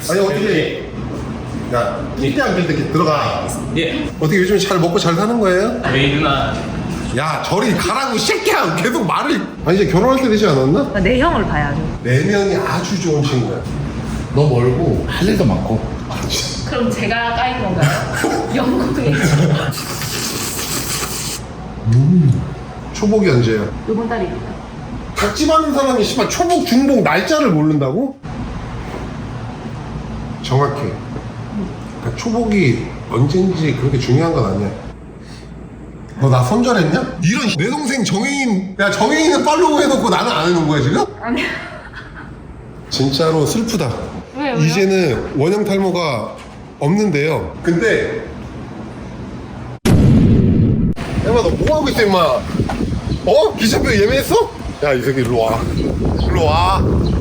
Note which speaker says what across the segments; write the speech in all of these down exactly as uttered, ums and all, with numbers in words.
Speaker 1: 아니 어떻게 야 끼리 안 될 때 이렇게 들어가.
Speaker 2: 예.
Speaker 1: 어떻게 요즘 잘 먹고 잘 사는 거예요?
Speaker 2: 저희 누나
Speaker 1: 야 저리 가라고 새끼야. 계속 말을. 아니 이제 결혼할 때 되지 않았나?
Speaker 3: 내 형을 봐야죠.
Speaker 1: 네 명이 아주 좋은 친구야. 너 멀고 할 일도 많고.
Speaker 3: 그럼 제가 까인 건가요? 영국에
Speaker 1: 음. 초복이 언제야?
Speaker 3: 이번 달입니다.
Speaker 1: 닭집 하는 사람이 씨발 초복 중복 날짜를 모른다고? 정확해. 그러니까 초복이 언젠지 그렇게 중요한 건 아니야. 너 나 손절했냐? 이런 내 동생 정혜인, 야 정혜인은 팔로우 해놓고 나는 안 해놓은 거야 지금?
Speaker 3: 아니.
Speaker 1: 진짜로 슬프다.
Speaker 3: 왜요? 왜요?
Speaker 1: 이제는 원형 탈모가 없는데요. 근데 엠마 너 뭐하고 있어 임마? 어? 기차표 예매했어? 야 이 새끼 일로 와. 일로 와.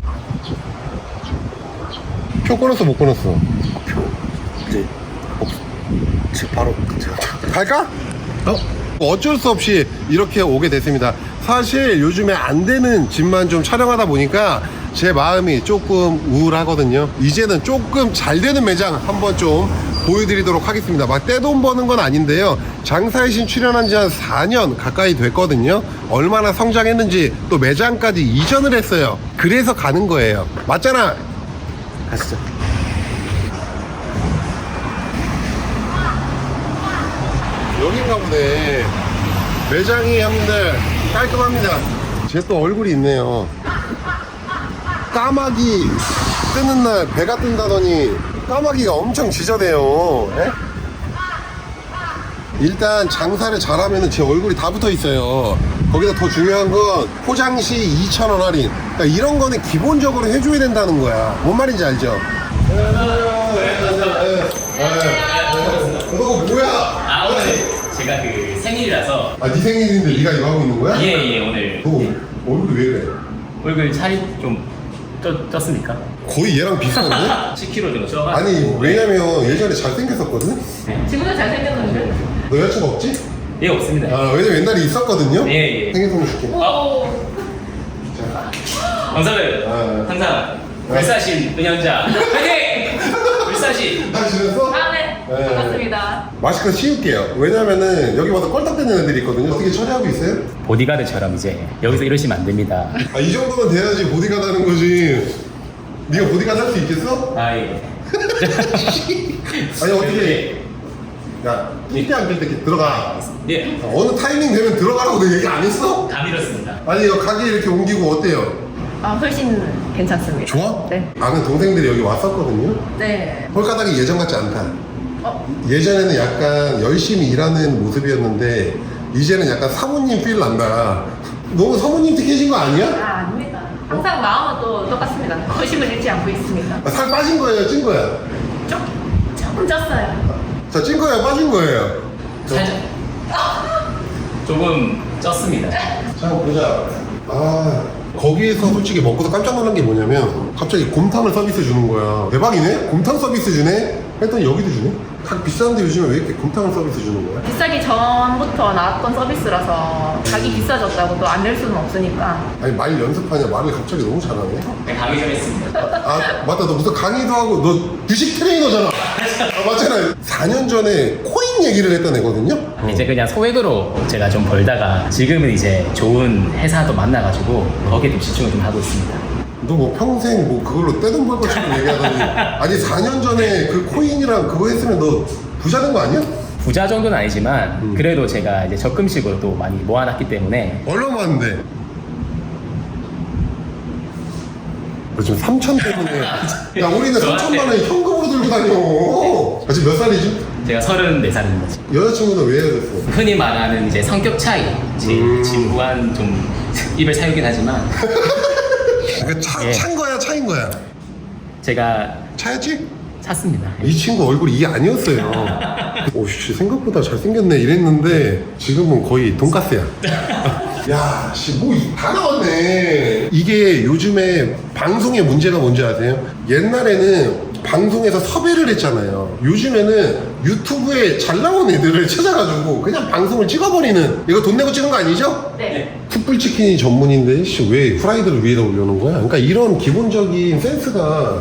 Speaker 1: 표 끊었어 못 끊었어?
Speaker 4: 이제 없, 지금 바로 제가
Speaker 1: 갈까? 어? 어쩔 수 없이 이렇게 오게 됐습니다. 사실 요즘에 안 되는 집만 좀 촬영하다 보니까 제 마음이 조금 우울하거든요. 이제는 조금 잘 되는 매장 한번 좀 보여드리도록 하겠습니다. 막 떼돈 버는 건 아닌데요. 장사의 신 출연한 지 한 사 년 가까이 됐거든요. 얼마나 성장했는지 또 매장까지 이전을 했어요. 그래서 가는 거예요. 맞잖아.
Speaker 4: 가시죠.
Speaker 1: 여긴가 보네. 매장이 형님들 깔끔합니다. 제 또 얼굴이 있네요. 까마귀 뜨는 날 배가 뜬다더니 까마귀가 엄청 지저대요. 에? 일단 장사를 잘하면 제 얼굴이 다 붙어 있어요. 거기다 더 중요한 건 포장 시 이천 원 할인. 그러니까 이런 거는 기본적으로 해줘야 된다는 거야. 뭔 말인지 알죠? 그거 뭐야?
Speaker 2: 아 오늘 제가 그 생일이라서
Speaker 1: 아, 네 생일인데 네가 이거 하고 있는 거야?
Speaker 2: 예예 오늘
Speaker 1: 너 얼굴이 왜 그래?
Speaker 2: 얼굴 살이 좀 쪘, 쪘습니까?
Speaker 1: 거의 얘랑 비슷한데?
Speaker 2: 십 킬로그램 정도 쪄가지고
Speaker 1: 아니 왜냐면 예전에 잘생겼었거든?
Speaker 3: 지금도 잘생겼는데?
Speaker 1: 너 여자친구 없지?
Speaker 2: 예 없습니다.
Speaker 1: 아 왜냐면 옛날에 있었거든요?
Speaker 2: 예, 예.
Speaker 1: 생일 선물 줄게.
Speaker 3: 오.
Speaker 2: 원사를
Speaker 1: 아,
Speaker 2: 항상 불사신 은연자 화이팅! 불사신
Speaker 1: 잘 지냈어?
Speaker 3: 아, 네.
Speaker 1: 네.
Speaker 3: 반갑습니다.
Speaker 1: 마스크 씌울게요. 왜냐면은 여기 와서 껄떡대는 애들이 있거든요. 어떻게 처리하고 있어요?
Speaker 2: 보디가드처럼 이제 여기서 이러시면 안 됩니다.
Speaker 1: 아 이 정도면 돼야지 보디가드 하는 거지. 네가 보디가드 할 수 있겠어?
Speaker 2: 아 예.
Speaker 1: 아니 어떻게 야 끼리 안 될 때 이렇게 들어가.
Speaker 2: 예.
Speaker 1: 어느 타이밍 되면 들어가라고 내가 얘기 안 했어?
Speaker 2: 감 잃었습니다.
Speaker 1: 아니 여 가게 이렇게 옮기고 어때요?
Speaker 3: 아, 훨씬 괜찮습니다.
Speaker 1: 좋아?
Speaker 3: 네.
Speaker 1: 아는 동생들이 여기 왔었거든요.
Speaker 3: 네.
Speaker 1: 홀가닥이 예전 같지 않다.
Speaker 3: 어,
Speaker 1: 예전에는 약간 열심히 일하는 모습이었는데 이제는 약간 사모님 필 난다. 너무 사모님 특해진 거 아니야?
Speaker 3: 아, 아닙니다. 항상 마음은 또 똑같습니다. 거심을 잃지 않고 있습니다.
Speaker 1: 아, 살 빠진 거예요, 찐 거야?
Speaker 3: 조, 조금 쪘어요.
Speaker 1: 자, 찐 거예요, 빠진 거예요?
Speaker 2: 살짝 조금 쪘습니다.
Speaker 1: 자, 한번 보자. 아, 거기에서 솔직히 먹고서 깜짝 놀란 게 뭐냐면 갑자기 곰탕을 서비스 주는 거야. 대박이네? 곰탕 서비스 주네? 했더니 여기도 주네? 닭 비싼데 요즘에 왜 이렇게 곰탕을 서비스 주는 거야?
Speaker 3: 비싸기 전부터 나왔던 서비스라서 가격이 비싸졌다고 또 안 낼 수는 없으니까.
Speaker 1: 아니 말 연습하냐? 말을 갑자기 너무 잘하네.
Speaker 2: 네, 강의 좀 했습니다.
Speaker 1: 아 맞다, 너 무슨 강의도 하고 너 주식 트레이너잖아. 아, 맞잖아. 사 년 전에 코인 얘기를 했던 애거든요.
Speaker 2: 이제 그냥 소액으로 제가 좀 벌다가 지금은 이제 좋은 회사도 만나가지고 거기에 좀 집중을 좀 하고 있습니다.
Speaker 1: 너 뭐 평생 뭐 그걸로 떼돈 벌 것처럼 얘기하더니 아니 사 년 전에 그 코인이랑 그거 했으면 너 부자 된 거 아니야?
Speaker 2: 부자 정도는 아니지만 그래도 제가 이제 적금식으로 또 많이 모아놨기 때문에
Speaker 1: 얼마 많은데? 너 지금 삼천 때문에 야 우리는
Speaker 2: 저한테-
Speaker 1: 삼천만 원 현금으로 들고 다녀. 아, 지금 몇 살이지?
Speaker 2: 제가 서른네 살입니다.
Speaker 1: 여자친구는 왜 헤어졌어?
Speaker 2: 흔히 말하는 이제 성격 차이, 제
Speaker 1: 음.
Speaker 2: 진부한 좀 입을 사유긴 하지만
Speaker 1: 그러니까 차,
Speaker 2: 예.
Speaker 1: 찬 거야 차인 거야?
Speaker 2: 제가
Speaker 1: 차였지?
Speaker 2: 찼습니다.
Speaker 1: 이 친구 얼굴이 이 아니었어요. 오씨 생각보다 잘생겼네 이랬는데 지금은 거의 돈가스야. 야, 씨, 뭐 다 나왔네. 이게 요즘에 방송의 문제가 뭔지 아세요? 옛날에는 방송에서 섭외를 했잖아요. 요즘에는 유튜브에 잘 나온 애들을 찾아가지고 그냥 방송을 찍어버리는. 이거 돈 내고 찍은 거 아니죠?
Speaker 3: 네.
Speaker 1: 숯불치킨이 전문인데 씨, 왜 후라이드를 위에다 올려놓은 거야? 그러니까 이런 기본적인 센스가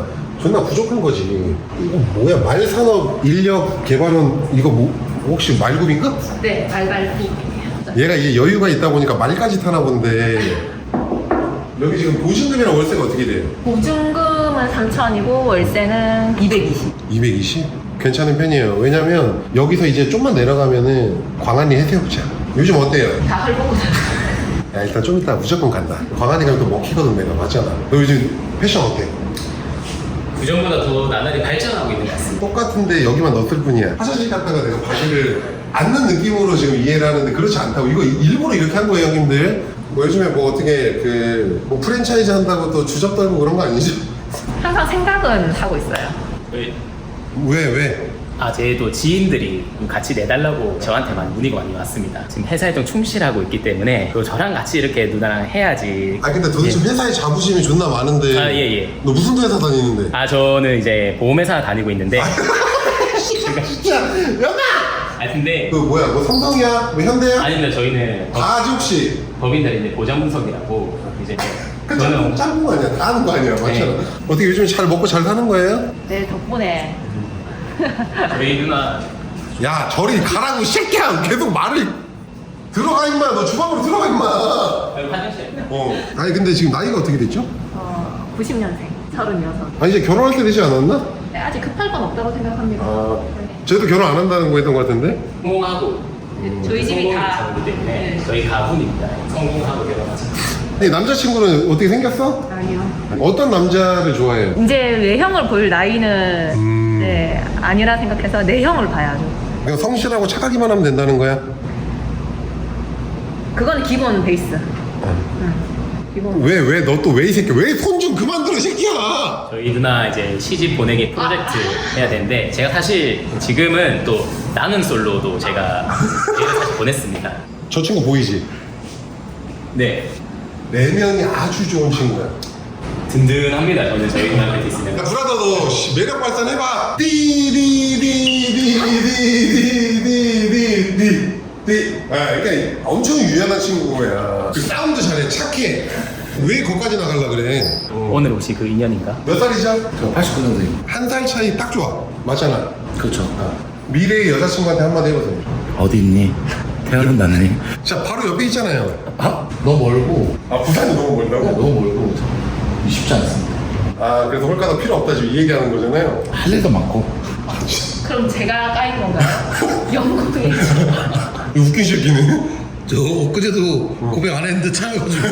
Speaker 1: 존나 부족한 거지. 이거 뭐야, 말산업 인력 개발은 이거 뭐 혹시 말굽인가?
Speaker 3: 네, 말발굽.
Speaker 1: 얘가 이제 여유가 있다 보니까 말까지 타나 본데. 여기 지금 보증금이랑 월세가 어떻게 돼요?
Speaker 3: 보증금은 삼천이고 월세는 이백이십.
Speaker 1: 이백이십? 괜찮은 편이에요. 왜냐면 여기서 이제 좀만 내려가면은 광안리 해수욕장. 요즘 어때요?
Speaker 3: 다 헐벗고 살아요.
Speaker 1: 야, 일단 좀 이따 무조건 간다. 광안리 가면 또 먹히거든 내가. 맞잖아. 너 요즘 패션 어때?
Speaker 2: 그전보다 더 나날이 발전하고 있는 것 같습니다.
Speaker 1: 똑같은데 여기만 넣었을 뿐이야. 화장실 갔다가 내가 바지를 앉는 느낌으로 지금 이해를 하는데 그렇지 않다고. 이거 일부러 이렇게 한 거예요, 형님들. 뭐 요즘에 뭐 어떻게 그뭐 프랜차이즈 한다고 또 주접 떨고 그런 거 아니죠?
Speaker 3: 항상 생각은 하고 있어요.
Speaker 2: 저희
Speaker 1: 왜 왜?
Speaker 2: 아, 제 또 지인들이 같이 내달라고 저한테만 문의가 많이 왔습니다. 지금 회사에 좀 충실하고 있기 때문에 또 저랑 같이 이렇게 누나랑 해야지.
Speaker 1: 아 근데 도대체
Speaker 2: 예.
Speaker 1: 회사에 자부심이 존나 많은데.
Speaker 2: 아, 예, 예.
Speaker 1: 너 무슨 회사 다니는데?
Speaker 2: 아, 저는 이제 보험회사 다니고 있는데.
Speaker 1: 진짜 연아!
Speaker 2: 아, 근데
Speaker 1: 그 뭐야? 뭐 삼성이야? 뭐 현대야?
Speaker 2: 아닙니다. 저희는 법,
Speaker 1: 다지 혹시?
Speaker 2: 법인들이 이제 보장분석이라고 이제
Speaker 1: 그
Speaker 2: 저는
Speaker 1: 짬, 짬은 거 아니야? 다 하는 거 아니야? 맞잖아.
Speaker 2: 네.
Speaker 1: 어떻게 요즘 잘 먹고 잘 사는 거예요?
Speaker 3: 네, 덕분에.
Speaker 2: 저희 누나
Speaker 1: 야 저리 가라고 이 새끼야. 계속 말을 들어가 임마. 너 주방으로 들어가 임마.
Speaker 2: 화장실.
Speaker 1: 어. 아니 근데 지금 나이가 어떻게 됐죠?
Speaker 3: 어, 구십 년생, 서른여섯.
Speaker 1: 아 이제 결혼할 때 되지 않았나?
Speaker 3: 네, 아직 급할 건 없다고 생각합니다.
Speaker 1: 아
Speaker 3: 네.
Speaker 1: 쟤도 결혼 안 한다는 거 했던 거 같은데?
Speaker 2: 성공하고
Speaker 3: 네, 저희 집이 다.
Speaker 2: 성공이 때문에
Speaker 3: 네.
Speaker 2: 저희 가문입니다. 성공하고 결혼하자.
Speaker 1: 아니 남자친구는 어떻게 생겼어?
Speaker 3: 아니요.
Speaker 1: 어떤 남자를 좋아해요?
Speaker 3: 이제 외형을 볼 나이는
Speaker 1: 음.
Speaker 3: 네, 아니라 생각해서 내형을 봐야죠.
Speaker 1: 그냥 성실하고 착하기만 하면 된다는 거야?
Speaker 3: 그건 기본 베이스. 응. 기본.
Speaker 1: 왜 왜 너 또 왜 이 새끼 왜 손 좀 그만 들어 이 새끼야.
Speaker 2: 저희 누나 이제 시집 보내기 프로젝트 해야 되는데 제가 사실 지금은 또 나는 솔로도 제가 얘를 사실 보냈습니다.
Speaker 1: 저 친구 보이지?
Speaker 2: 네,
Speaker 1: 내면이 아주 좋은 친구야.
Speaker 2: 든든합니다. 저는 저희 누나한테 있으면.
Speaker 1: 야 브라더 너 씨, 매력 발산해봐. 띠디디디디디디디디디. 아 그러니까 엄청 유연한 친구야. 그 싸움도 잘해. 착해. 왜 거기까지 나가려 그래?
Speaker 2: 오늘 혹시 그 인연인가?
Speaker 1: 몇 살이죠?
Speaker 4: 저 팔십구 년생.
Speaker 1: 한 살 차이 딱 좋아. 맞잖아.
Speaker 4: 그렇죠.
Speaker 1: 미래의 여자친구한테 한마디 해보세요.
Speaker 4: 어디 있니? 태어난다네.
Speaker 1: 자 바로 옆에 있잖아요.
Speaker 4: 아? 너무 멀고.
Speaker 1: 아 부산이 너무 멀다고?
Speaker 4: 너무 멀고. 쉽지 않습니다.
Speaker 1: 아 그래서 홀가닥 필요 없다 지금 이 얘기하는 거잖아요.
Speaker 4: 할 일도 많고.
Speaker 3: 그럼 제가 까인 건가요? 영국에.
Speaker 1: 이 웃긴 새끼네.
Speaker 4: 저 엊그제도 고백 안 했는데 참여가지고.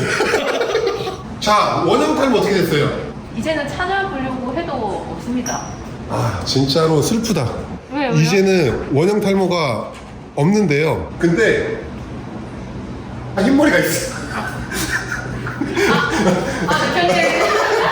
Speaker 1: 자 원형 탈모 어떻게 됐어요?
Speaker 3: 이제는 찾아보려고 해도 없습니다.
Speaker 1: 아 진짜로 슬프다.
Speaker 3: 왜요? 왜요?
Speaker 1: 이제는 원형 탈모가 없는데요. 근데 아, 흰머리가 있어.
Speaker 3: 아, 대표님.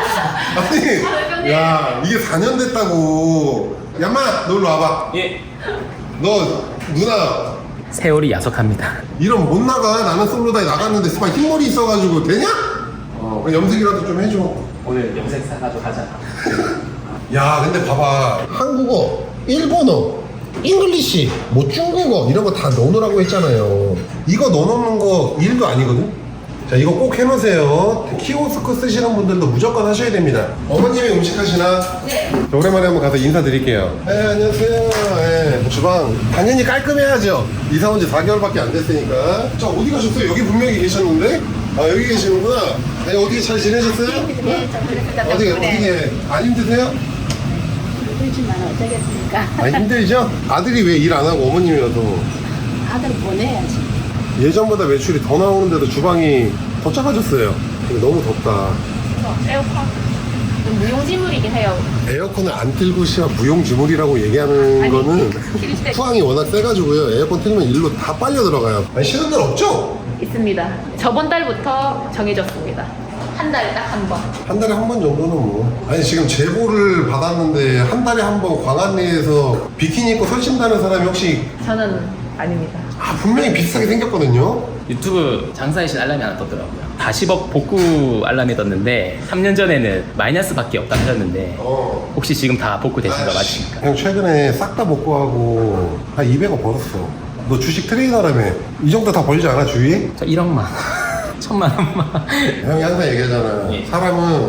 Speaker 1: 아니 야 이게 사 년 됐다고. 야마 너 일로 와봐.
Speaker 2: 예.
Speaker 1: 너 누나
Speaker 2: 세월이 야속합니다.
Speaker 1: 이런 못 나가. 나는 솔로다에 나갔는데 스파 흰머리 있어가지고 되냐? 어 염색이라도 좀 해줘.
Speaker 2: 오늘 염색 사가지고 가자.
Speaker 1: 야 근데 봐봐 한국어, 일본어, 잉글리시, 뭐 중국어 이런 거 다 넣어놓으라고 했잖아요. 이거 넣어놓는 거 일도 아니거든. 자 이거 꼭 해놓으세요. 키오스크 쓰시는 분들도 무조건 하셔야 됩니다. 어머님이 음식 하시나?
Speaker 3: 네.
Speaker 1: 자, 오랜만에 한번 가서 인사드릴게요. 네 안녕하세요. 네, 주방 당연히 깔끔해야죠. 이사 온 지 사 개월밖에 안 됐으니까. 자 어디 가셨어요? 여기 분명히 계셨는데. 아 여기 계시는구나. 아니 어떻게 잘 지내셨어요?
Speaker 3: 네, 저 그랬습니다.
Speaker 1: 어떻게 어떻게 안 힘드세요?
Speaker 5: 그렇지만 어쩌겠습니까?
Speaker 1: 아 힘들죠? 아들이 왜 일 안 하고 어머님이라도
Speaker 5: 아들 보내야지.
Speaker 1: 예전보다 매출이 더 나오는데도 주방이 더 작아졌어요. 근데 너무 덥다.
Speaker 3: 에어컨. 좀 무용지물이긴 해요.
Speaker 1: 에어컨을 안 틀고 시야 무용지물이라고 얘기하는
Speaker 3: 아니,
Speaker 1: 거는
Speaker 3: 킬 때-
Speaker 1: 후항이 워낙 세가지고요. 에어컨 틀면 일로 다 빨려 들어가요. 아니 싫은 날 없죠?
Speaker 3: 있습니다. 저번 달부터 정해졌습니다. 한 달에 딱 한 번.
Speaker 1: 한 달에 한 번 정도는 뭐. 아니 지금 제보를 받았는데 한 달에 한 번 광안리에서 비키니 입고 설친다는 사람이 혹시
Speaker 3: 저는 아닙니다.
Speaker 1: 아 분명히 비슷하게 생겼거든요.
Speaker 2: 유튜브 장사의 신 알람이 하나 떴더라고요. 사십억 복구 알람이 떴는데 삼 년 전에는 마이너스밖에 없다 하셨는데
Speaker 1: 어.
Speaker 2: 혹시 지금 다 복구되신 거
Speaker 1: 아이씨,
Speaker 2: 맞습니까?
Speaker 1: 형 최근에 싹 다 복구하고 한 이백억 벌었어. 너 주식 트레이너라며. 이 정도 다 벌지 않아 주위에?
Speaker 2: 저 일억만 천만 원만
Speaker 1: 형이 항상 얘기하잖아.
Speaker 2: 예.
Speaker 1: 사람은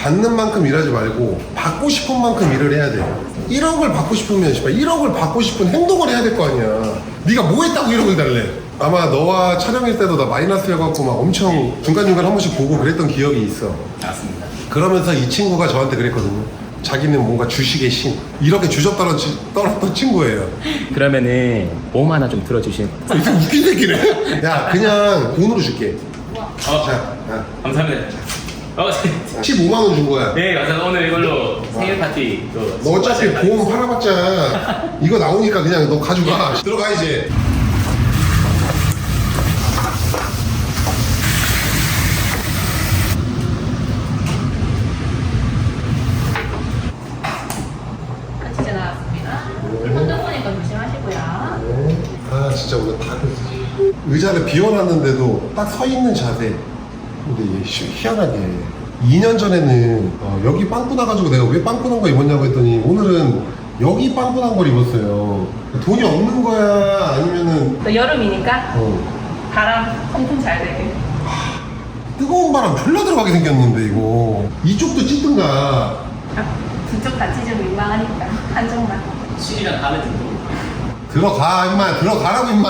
Speaker 1: 받는 만큼 일하지 말고 받고 싶은 만큼 일을 해야 돼요. 일억을 받고 싶으면 씨발 일억을 받고 싶은 행동을 해야 될 거 아니야. 네가 뭐 했다고 일억을 달래? 아마 너와 촬영일 때도 나 마이너스여갖고 막 엄청 중간중간 한 번씩 보고 그랬던 기억이 있어.
Speaker 2: 맞습니다.
Speaker 1: 그러면서 이 친구가 저한테 그랬거든요. 자기는 뭔가 주식의 신, 이렇게 주접 떨었지, 떨었던 친구예요.
Speaker 2: 그러면은 몸 하나 좀 들어주실.
Speaker 1: 아, 이게 웃긴 새끼네. 야, 그냥 돈으로 줄게.
Speaker 2: 어,
Speaker 1: 자, 야,
Speaker 2: 감사합니다. 어,
Speaker 1: 십오만 원 준 거야.
Speaker 2: 네, 맞아요. 오늘 이걸로 생일 파티 또.
Speaker 1: 너 어차피 보험 팔아봤자 이거 나오니까 그냥 너 가져가. 들어가 이제.
Speaker 3: 한치제 나왔습니다. 혼자 보니까 조심하시고요.
Speaker 1: 아 진짜 오늘 다 그랬어. 의자를 비워놨는데도 딱 서 있는 자세. 근데 얘 희- 희한하게 이 년 전에는 어, 여기 빵꾸 나가지고 내가 왜 빵꾸 난 거 입었냐고 했더니 오늘은 여기 빵꾸 난 걸 입었어요. 돈이 없는 거야 아니면은
Speaker 3: 또 여름이니까
Speaker 1: 어,
Speaker 3: 바람 통풍 잘 되게.
Speaker 1: 뜨거운 바람 졸라 들어가게 생겼는데 이거 이쪽도 찢든가.
Speaker 3: 두쪽 다 찢으면 민망하니까 한쪽만.
Speaker 2: 실이랑 다음에 듣고.
Speaker 1: 들어가 임마 들어가라고 임마.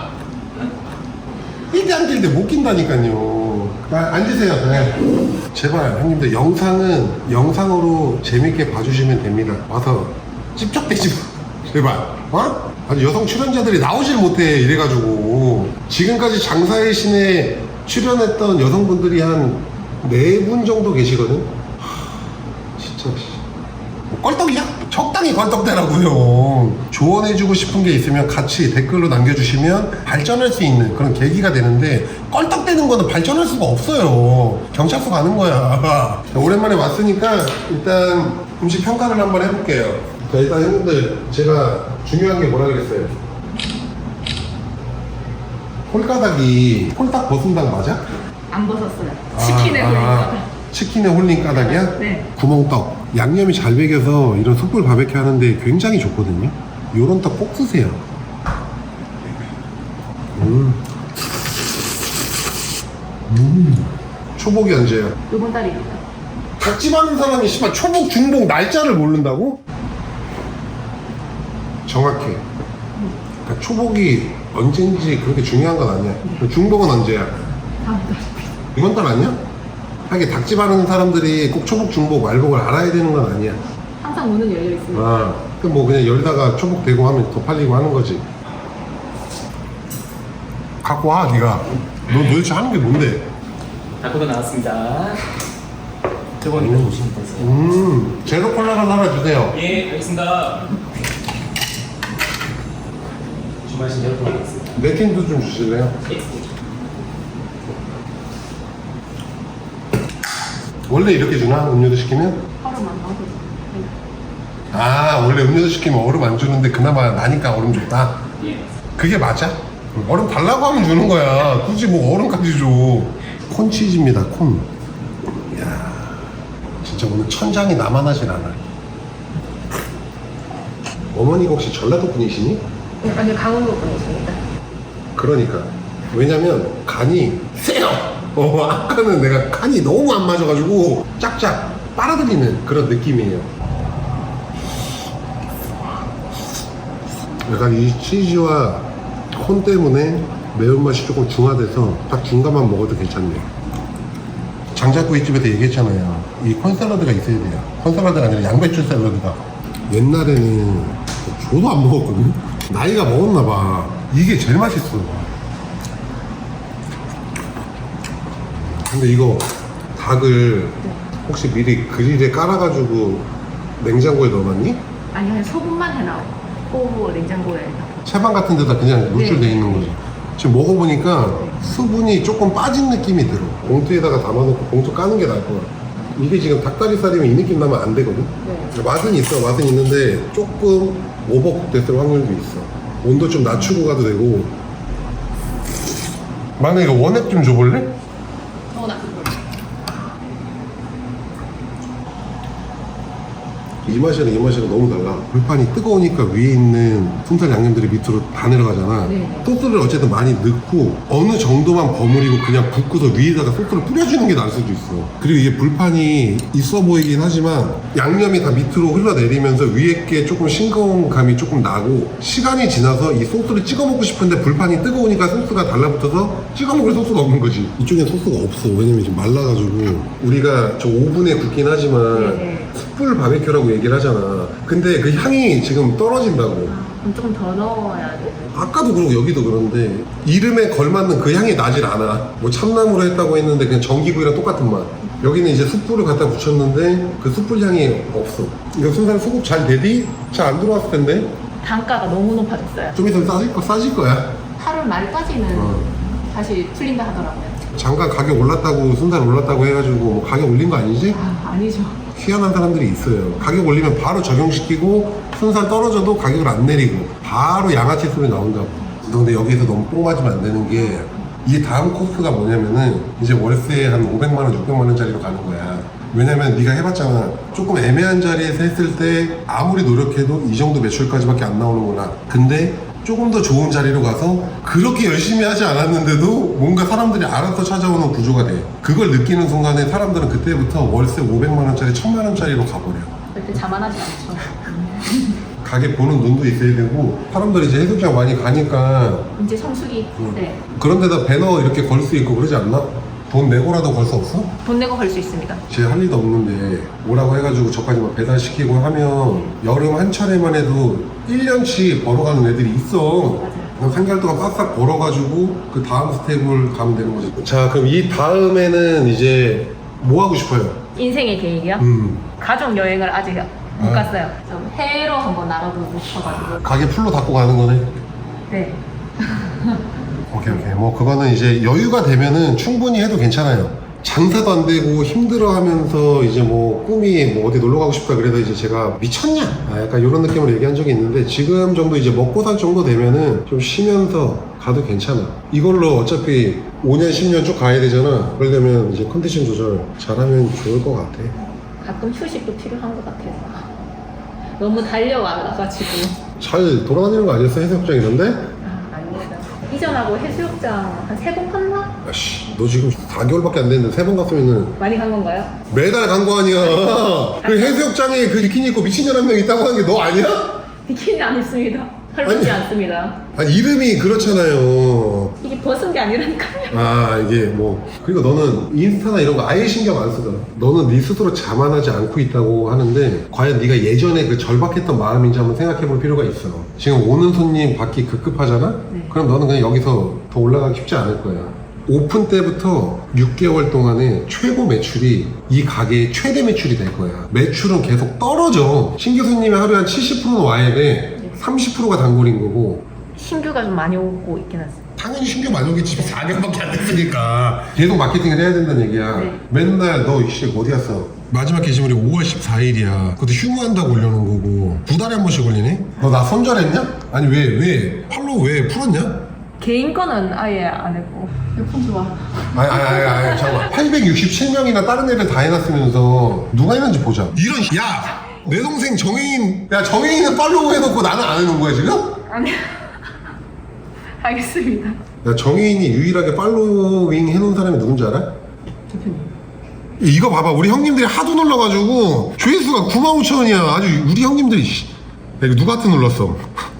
Speaker 1: 이게 안 낄 때 못 낀다니까요. 아, 앉으세요. 네. 제발 형님들 영상은 영상으로 재밌게 봐주시면 됩니다. 와서 찝쩍대지 마. 제발. 어? 아니 여성 출연자들이 나오질 못해 이래가지고 지금까지 장사의 신에 출연했던 여성분들이 한 네 분 정도 계시거든. 하, 진짜 뭐 껄떡이야? 적당히 껄떡대라고요. 조언해주고 싶은 게 있으면 같이 댓글로 남겨주시면 발전할 수 있는 그런 계기가 되는데 껄떡대는 거는 발전할 수가 없어요. 경찰서 가는 거야. 자, 오랜만에 왔으니까 일단 음식 평가를 한번 해볼게요. 자, 일단 형님들 제가 중요한 게 뭐라 그랬어요? 홀가닥이 홀딱 벗은당 맞아?
Speaker 3: 안 벗었어요. 치킨에
Speaker 1: 아,
Speaker 3: 홀린
Speaker 1: 아,
Speaker 3: 거.
Speaker 1: 치킨에 홀린 까닭이야?
Speaker 3: 네.
Speaker 1: 구멍떡. 양념이 잘 배겨서 이런 숯불 바베큐 하는데 굉장히 좋거든요. 요런 떡 꼭 드세요. 음. 음. 초복이 언제야?
Speaker 3: 요번 달입니다.
Speaker 1: 닭집 하는 사람이 씨발 초복, 중복 날짜를 모른다고? 정확해. 그러니까 초복이 언제인지 그렇게 중요한 건 아니야. 중복은 언제야?
Speaker 3: 다음 달.
Speaker 1: 이번 달 아니야? 하긴 닭집 하는 사람들이 꼭 초복, 중복, 말복을 알아야 되는 건 아니야.
Speaker 3: 항상 문은 열려 있습니다.
Speaker 1: 아, 그럼 뭐 그냥 열다가 초복 되고 하면 더 팔리고 하는 거지. 갖고 와, 네가. 너 도대체 하는 게 뭔데?
Speaker 2: 닭고도 나왔습니다. 저번에 보시면 되세요.
Speaker 1: 음, 제로 콜라를 하나 주세요.
Speaker 2: 예, 알겠습니다. 주말신 여러 번 하겠습니다.
Speaker 1: 내 팀도 좀 주실래요?
Speaker 2: 예.
Speaker 1: 원래 이렇게 주나? 음료도 시키면?
Speaker 3: 하루만 넣어도 네.
Speaker 1: 아, 원래 음료도 시키면 얼음 안 주는데 그나마 나니까 얼음 줬다.
Speaker 2: 예.
Speaker 1: 그게 맞아? 얼음 달라고 하면 주는 거야. 굳이 뭐 얼음까지 줘. 콘치즈입니다, 콘. 이야, 진짜 오늘 천장이 나만 하질 않아. 어머니가 혹시 전라도 분이시니?
Speaker 3: 아니 강원도 분이십니다.
Speaker 1: 그러니까. 왜냐면 간이 세요. 어, 아까는 내가 간이 너무 안 맞아가지고 짝짝 빨아들이는 그런 느낌이에요. 약간 이 치즈와 콘 때문에 매운맛이 조금 중화돼서 딱 중간만 먹어도 괜찮네요. 장작구이집에서 얘기했잖아요. 이 콘샐러드가 있어야 돼요. 콘샐러드가 아니라 양배추 샐러드가. 옛날에는 저도 안 먹었거든. 나이가 먹었나봐. 이게 제일 맛있어. 근데 이거 닭을 혹시 미리 그릴에 깔아가지고 냉장고에 넣어놨니?
Speaker 3: 아니 그냥 소금만 해놔고 냉장고에.
Speaker 1: 채반 같은 데다 그냥 물줄
Speaker 3: 네.
Speaker 1: 돼 있는 거지. 지금 먹어보니까 수분이 조금 빠진 느낌이 들어. 봉투에다가 담아놓고 봉투 까는 게 나을 것 같아. 이게 지금 닭다리살이면 이 느낌 나면 안 되거든?
Speaker 3: 네.
Speaker 1: 맛은 있어, 맛은 있는데 조금 오버쿡 됐을 확률도 있어. 온도 좀 낮추고 가도 되고. 막내 이거 원액 좀 줘볼래?
Speaker 3: 어, 나 그거.
Speaker 1: 이 맛이랑 이 맛이랑 너무 달라. 불판이 뜨거우니까 위에 있는 순살 양념들이 밑으로 다 내려가잖아.
Speaker 3: 네.
Speaker 1: 소스를 어쨌든 많이 넣고 어느 정도만 버무리고 그냥 붓고서 위에다가 소스를 뿌려주는 게 나을 수도 있어. 그리고 이게 불판이 있어 보이긴 하지만 양념이 다 밑으로 흘러내리면서 위에 게 조금 싱거운 감이 조금 나고, 시간이 지나서 이 소스를 찍어 먹고 싶은데 불판이 뜨거우니까 소스가 달라붙어서 찍어 먹을 소스가 없는 거지. 이쪽엔 소스가 없어. 왜냐면 지금 말라가지고. 우리가 저 오븐에 굽긴 하지만
Speaker 3: 네.
Speaker 1: 숯불 바베큐라고 얘기를 하잖아. 근데 그 향이 지금 떨어진다고.
Speaker 3: 그럼 조금 더 넣어야 돼.
Speaker 1: 아까도 그러고 여기도 그런데 이름에 걸맞는 그 향이 나질 않아. 뭐 참나무로 했다고 했는데 그냥 전기구이랑 똑같은 맛. 여기는 이제 숯불을 갖다 붙였는데 그 숯불 향이 없어. 이거 순살 수급 잘 되디? 잘 안 들어왔을 텐데.
Speaker 3: 단가가 너무 높아졌어요.
Speaker 1: 좀 있으면 싸질 거 싸질 거야.
Speaker 3: 팔월 말까지는
Speaker 1: 어.
Speaker 3: 다시 풀린다 하더라고요.
Speaker 1: 잠깐 가격 올랐다고, 순살 올랐다고 해가지고 뭐 가격 올린 거 아니지?
Speaker 3: 아, 아니죠.
Speaker 1: 희한한 사람들이 있어요. 가격 올리면 바로 적용시키고 순살 떨어져도 가격을 안 내리고 바로 양아치 소리 나온다고. 근데 여기서 너무 뽕 맞으면 안 되는 게, 이 다음 코스가 뭐냐면은 이제 월세 한 오백만 원, 육백만 원짜리로 가는 거야. 왜냐면 네가 해봤잖아. 조금 애매한 자리에서 했을 때 아무리 노력해도 이 정도 매출까지밖에 안 나오는구나. 근데 조금 더 좋은 자리로 가서 그렇게 열심히 하지 않았는데도 뭔가 사람들이 알아서 찾아오는 구조가 돼. 그걸 느끼는 순간에 사람들은 그때부터 월세 오백만 원짜리, 천만 원짜리로 가버려.
Speaker 3: 절대 자만하지 않죠.
Speaker 1: 가게 보는 눈도 있어야 되고, 사람들이 이제 해수욕장 많이 가니까
Speaker 3: 이제 성수기 네.
Speaker 1: 그런데다 배너 이렇게 걸 수 있고 그러지 않나? 돈 내고라도 걸 수 없어?
Speaker 3: 돈 내고 걸 수 있습니다.
Speaker 1: 제 할 일도 없는데 오라고 해가지고 저까지 막 배달시키고 하면 여름 한 차례만 해도 일 년치 벌어가는 애들이 있어. 그냥 삼 개월 동안 빡빡 벌어가지고 그 다음 스텝을 가면 되는 거지. 자, 그럼 이 다음에는 이제 뭐 하고 싶어요?
Speaker 3: 인생의 계획이요?
Speaker 1: 음,
Speaker 3: 가족 여행을 아직 못
Speaker 1: 아.
Speaker 3: 갔어요. 좀 해외로 한번 나가보고 싶어가지고.
Speaker 1: 가게 풀로 닫고 가는 거네.
Speaker 3: 네.
Speaker 1: 오케이 오케이. 뭐 그거는 이제 여유가 되면은 충분히 해도 괜찮아요. 장사도 안 되고 힘들어하면서 이제 뭐 꿈이 뭐 어디 놀러 가고 싶다 그래서 이제 제가 미쳤냐? 아, 약간 이런 느낌으로 얘기한 적이 있는데, 지금 정도 이제 먹고 살 정도 되면은 좀 쉬면서 가도 괜찮아. 이걸로 어차피 오 년 십 년 쭉 가야 되잖아. 그러려면 이제 컨디션 조절 잘하면 좋을 것 같아.
Speaker 3: 가끔 휴식도 필요한 것 같아서. 너무 달려와가지고.
Speaker 1: 잘 돌아다니는 거 아니었어? 해수욕장 이런데?
Speaker 3: 아, 아닙니다. 이전하고 해수욕장 한 세 번 갔나?
Speaker 1: 아씨, 너 지금 사 개월밖에 안 됐는데 세 번 갔으면은
Speaker 3: 많이 간 건가요?
Speaker 1: 매달 간 거 아니야. 그 해수욕장에 그 비키니 입고 미친 년 한 명 있다고 하는 게 너 아니야?
Speaker 3: 비키니 안 입습니다. 헐벗지 않습니다.
Speaker 1: 아니, 이름이 그렇잖아요.
Speaker 3: 이게 벗은 게 아니라니까요.
Speaker 1: 아, 이게 뭐. 그리고 너는 인스타나 이런 거 아예 신경 안 쓰잖아. 너는 네 스스로 자만하지 않고 있다고 하는데, 과연 네가 예전에 그 절박했던 마음인지 한번 생각해 볼 필요가 있어. 지금 오는 손님 받기 급급하잖아?
Speaker 3: 네.
Speaker 1: 그럼 너는 그냥 여기서 더 올라가기 쉽지 않을 거야. 오픈 때부터 육 개월 동안에 최고 매출이 이 가게의 최대 매출이 될 거야. 매출은 계속 떨어져. 신규 손님이 하루에 한 칠십 퍼센트는 와야 돼. 삼십 퍼센트가 단골인 거고.
Speaker 3: 신규가 좀 많이 오고 있긴 하죠.
Speaker 1: 당연히 신규 많이 오겠지. 사 년밖에 안 됐으니까. 계속 마케팅을 해야 된다는 얘기야.
Speaker 3: 네.
Speaker 1: 맨날 너 이씨 어디 갔어? 마지막 게시물이 오월 십사일이야. 그것도 휴무한다고 올려놓은 거고 두 달에 한 번씩 올리네? 너 나 손절했냐? 아니 왜 왜? 팔로우 왜 풀었냐?
Speaker 3: 개인 거는 아예 안 했고. 몇분 좋아.
Speaker 1: 아니 아니 아니, 아니 잠깐만. 팔백육십칠 명이나 다른 애들 다 해놨으면서 누가 했는지 보자. 이런 야! 내 동생 정혜인, 야 정혜인은 팔로우 해놓고 나는 안 해놓은 거야 지금?
Speaker 3: 아니. 알겠습니다.
Speaker 1: 야 정혜인이 유일하게 팔로잉 해놓은 사람이 누군지 알아?
Speaker 3: 대표님.
Speaker 1: 이거 봐봐, 우리 형님들이 하도 눌러가지고 조회수가 구만 오천 원이야. 아주 우리 형님들이 씨. 야, 이거 누구한테 눌렀어?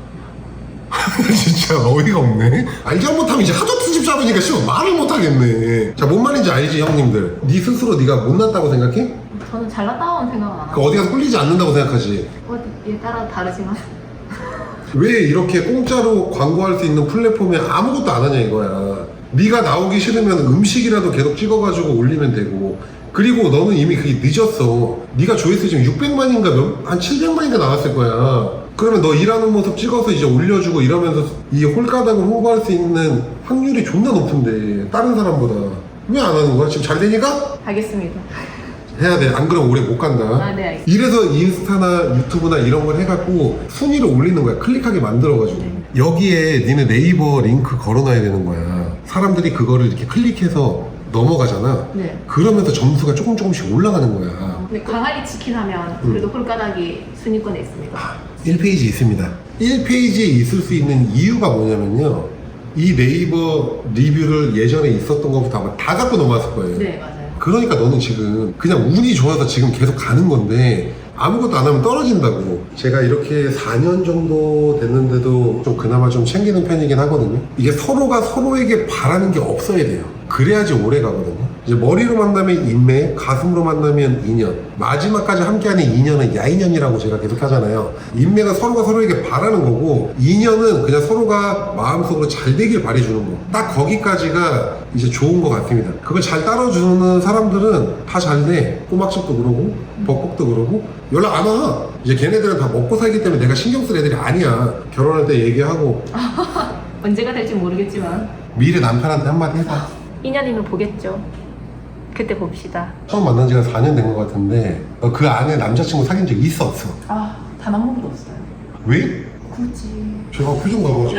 Speaker 1: 진짜 어이가 없네. 알지 못하면 이제 하도 트집 잡으니까 씨발 말을 못하겠네. 자, 뭔 말인지 알지 형님들? 네 스스로 네가 못났다고 생각해?
Speaker 3: 저는 잘났다고는 생각 안
Speaker 1: 그
Speaker 3: 하고.
Speaker 1: 어디 가서 꿀리지 않는다고 생각하지?
Speaker 3: 어디에 따라 다르지만.
Speaker 1: 왜 이렇게 공짜로 광고할 수 있는 플랫폼에 아무것도 안 하냐 이거야. 네가 나오기 싫으면 음식이라도 계속 찍어가지고 올리면 되고. 그리고 너는 이미 그게 늦었어. 네가 조회수 지금 육백만인가 몇, 한 칠백만인가 나왔을 거야. 그러면 너 일하는 모습 찍어서 이제 올려주고 이러면서 이 홀가닥을 홍보할 수 있는 확률이 존나 높은데 다른 사람보다 왜 안 하는 거야? 지금 잘 되니까?
Speaker 3: 알겠습니다.
Speaker 1: 해야 돼. 안 그러면 오래 못 간다.
Speaker 3: 아, 네, 알겠습니다.
Speaker 1: 이래서 인스타나 유튜브나 이런 걸 해갖고 순위를 올리는 거야. 클릭하게 만들어가지고.
Speaker 3: 네.
Speaker 1: 여기에 니네 네이버 링크 걸어놔야 되는 거야. 사람들이 그거를 이렇게 클릭해서 넘어가잖아.
Speaker 3: 네.
Speaker 1: 그러면서 점수가 조금 조금씩 올라가는 거야.
Speaker 3: 근데 광안리 치킨 하면 그래도 홀가닥이 순위권에 있습니다.
Speaker 1: 일 페이지 있습니다. 일 페이지에 있을 수 있는 이유가 뭐냐면요. 이 네이버 리뷰를 예전에 있었던 것부터 아마 다 갖고 넘어왔을 거예요.
Speaker 3: 네, 맞아요.
Speaker 1: 그러니까 너는 지금 그냥 운이 좋아서 지금 계속 가는 건데 아무것도 안 하면 떨어진다고. 제가 이렇게 사 년 정도 됐는데도 좀 그나마 좀 챙기는 편이긴 하거든요. 이게 서로가 서로에게 바라는 게 없어야 돼요. 그래야지 오래 가거든요. 이제 머리로 만나면 인맥, 가슴으로 만나면 인연, 마지막까지 함께하는 인연은 야인연이라고 제가 계속 하잖아요. 인맥은 서로가 서로에게 바라는 거고, 인연은 그냥 서로가 마음속으로 잘 되길 바래주는 거. 딱 거기까지가 이제 좋은 것 같습니다. 그걸 잘 따라주는 사람들은 다 잘 돼. 꼬막집도 그러고 벅벅도 그러고 연락 안 와. 이제 걔네들은 다 먹고 살기 때문에 내가 신경 쓸 애들이 아니야. 결혼할 때 얘기하고.
Speaker 3: 언제가 될지 모르겠지만
Speaker 1: 미래 남편한테 한마디 해봐.
Speaker 3: 인연이면 보겠죠. 그때 봅시다.
Speaker 1: 처음 만난 지가 사 년 된 것 같은데 어, 그 안에 남자친구 사귄 적 있어 없어?
Speaker 3: 아, 단 한 번도 없어요.
Speaker 1: 왜?
Speaker 3: 굳이.
Speaker 1: 제가 표정 봐봐.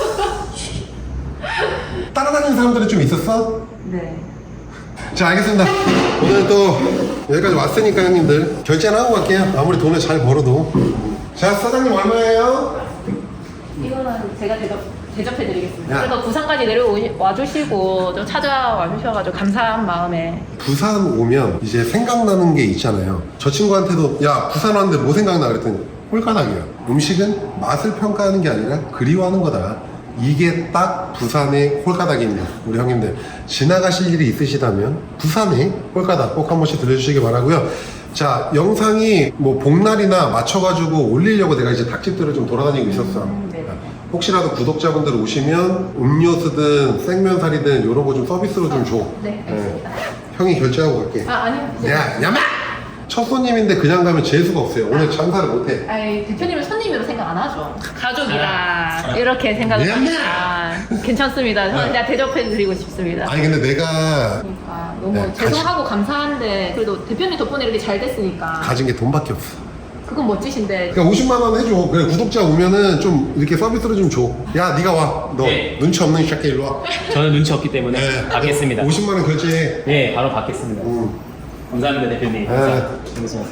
Speaker 1: 따라다니는 사람들은 좀 있었어?
Speaker 3: 네.
Speaker 1: 자, 알겠습니다. 오늘 또 여기까지 왔으니까 형님들 결제는 하고 갈게요. 아무리 돈을 잘 벌어도. 자, 사장님 얼마예요?
Speaker 3: 이거는 제가 대접, 대접해드리겠습니다.
Speaker 1: 야.
Speaker 3: 그래도 부산까지 내려와 주시고 좀 찾아와 주셔가지고 감사한 마음에.
Speaker 1: 부산 오면 이제 생각나는 게 있잖아요. 저 친구한테도 야 부산 왔는데 뭐 생각나 그랬더니 홀가닥이야. 음식은 맛을 평가하는 게 아니라 그리워하는 거다. 이게 딱 부산의 홀가닥입니다. 우리 형님들 지나가실 일이 있으시다면 부산의 홀가닥 꼭 한 번씩 들려주시기 바라고요. 자, 영상이 뭐 복날이나 맞춰가지고 올리려고 내가 이제 닭집들을 좀 돌아다니고 있었어.
Speaker 3: 음, 네.
Speaker 1: 혹시라도 구독자분들 오시면 음료수든 생면살이든 이런 거 좀 서비스로 좀 줘.
Speaker 3: 네, 알겠습니다.
Speaker 1: 형이 결제하고 갈게.
Speaker 3: 아, 아니요.
Speaker 1: 야, 야마! 첫 손님인데 그냥 가면 재수가 없어요. 오늘 장사를 못해.
Speaker 3: 아니, 대표님을 손님으로 생각 안 하죠. 가족이라 이렇게 생각을
Speaker 1: 네.
Speaker 3: 합니다. 괜찮습니다. 저는 그냥 대접해드리고 싶습니다.
Speaker 1: 아니 근데 내가
Speaker 3: 그러니까 너무
Speaker 1: 네,
Speaker 3: 죄송하고 감사한데 그래도 대표님 덕분에 이렇게 잘 됐으니까
Speaker 1: 가진 게 돈밖에 없어.
Speaker 3: 그건 멋지신데.
Speaker 1: 그러니까 오십만 원 해줘. 그래 구독자 오면은 좀 이렇게 서비스로 좀 줘. 야, 네가 와. 너
Speaker 2: 네.
Speaker 1: 눈치 없는 새끼 일로 와.
Speaker 2: 저는 눈치 없기 때문에 받겠습니다.
Speaker 1: 오십만 원 결제해.
Speaker 2: 네, 바로 받겠습니다.
Speaker 1: 음.
Speaker 2: 감사합니다, 대표님.
Speaker 1: 네.
Speaker 2: 감사합니다.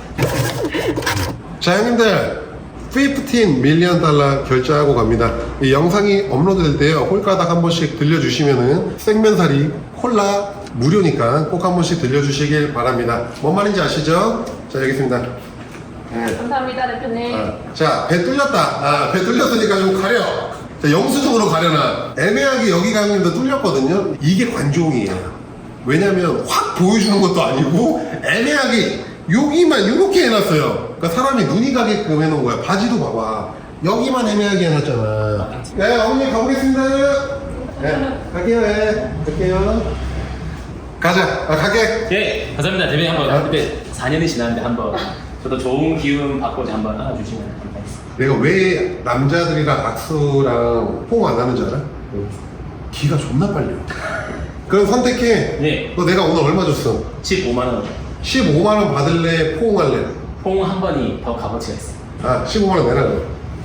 Speaker 1: 자, 형님들 십오 밀리언 달러 결제하고 갑니다. 이 영상이 업로드 될 때요 홀가닥 한 번씩 들려주시면은 생면사리 콜라 무료니까 꼭 한 번씩 들려주시길 바랍니다. 뭔 말인지 아시죠? 자, 여기 있습니다. 네.
Speaker 3: 감사합니다, 대표님.
Speaker 1: 아, 자, 배 뚫렸다. 아, 배 뚫렸으니까 좀 가려. 자, 영수증으로 가려놔. 애매하게 여기 가는데 뚫렸거든요. 이게 관종이에요. 왜냐면 확 보여주는 것도 아니고 애매하게 여기만 이렇게 해놨어요. 그러니까 사람이 눈이 가게끔 해놓은 거야. 바지도 봐봐. 여기만 애매하게 해놨잖아. 네, 어머니 가보겠습니다. 네, 갈게요. 네, 갈게요. 가자. 아, 갈게.
Speaker 2: 예, 감사합니다. 대표님 한번
Speaker 1: 아.
Speaker 2: 그때 사 년이 지났는데 한번 저도 좋은 기운 받고자 한번 안아주시면 감사하겠습니다.
Speaker 1: 내가 왜 남자들이랑 악수랑 포옹 안 하는 줄 알아? 기가 존나 빨려. 그럼 선택해.
Speaker 2: 네.
Speaker 1: 너 내가 오늘 얼마 줬어?
Speaker 2: 십오만 원.
Speaker 1: 십오만 원 받을래? 포옹할래?
Speaker 2: 포옹 한 번이 더 값어치가 있어요.
Speaker 1: 아, 십오만 원 내라 그래.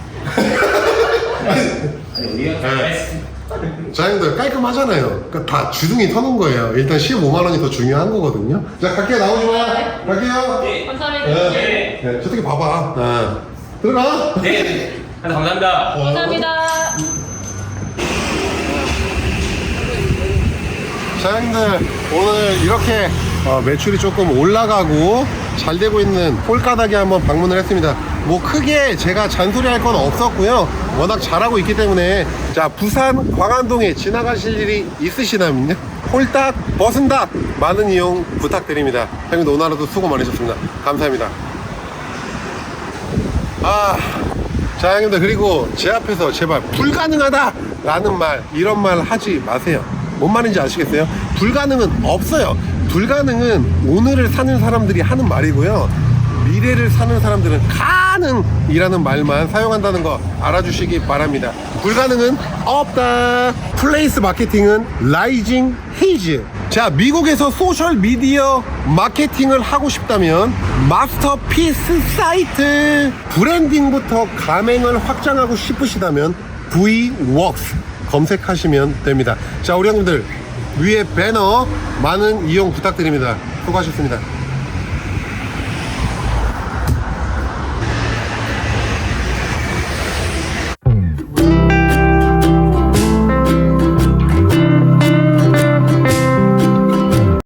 Speaker 2: 아니, 우리가
Speaker 1: 네. 자, 형들 깔끔하잖아요. 그러니까 다 주둥이 터는 거예요. 일단 십오만 원이 더 중요한 거거든요. 자, 갈게요. 나오지 마. 갈게요.
Speaker 2: 네.
Speaker 3: 감사합니다.
Speaker 1: 네. 네. 저렇게 봐봐. 아. 들어가.
Speaker 2: 네. 네. 감사합니다.
Speaker 3: 감사합니다.
Speaker 1: 자, 형들 오늘 이렇게 어, 매출이 조금 올라가고 잘 되고 있는 홀가닥에 한번 방문을 했습니다. 뭐 크게 제가 잔소리할 건 없었고요. 워낙 잘하고 있기 때문에. 자, 부산 광안동에 지나가실 일이 있으시다면요 홀딱 버슨닭 많은 이용 부탁드립니다. 형님들 오늘 하루도 수고 많으셨습니다. 감사합니다. 아, 자, 형님들 그리고 제 앞에서 제발 불가능하다 라는 말, 이런 말 하지 마세요. 뭔 말인지 아시겠어요? 불가능은 없어요. 불가능은 오늘을 사는 사람들이 하는 말이고요. 미래를 사는 사람들은 가능이라는 말만 사용한다는 거 알아주시기 바랍니다. 불가능은 없다. 플레이스 마케팅은 라이징 헤이즈. 자, 미국에서 소셜미디어 마케팅을 하고 싶다면 마스터피스 사이트, 브랜딩부터 가맹을 확장하고 싶으시다면 브이웍스 검색하시면 됩니다. 자, 우리 형님들 위에 배너 많은 이용 부탁드립니다. 수고하셨습니다.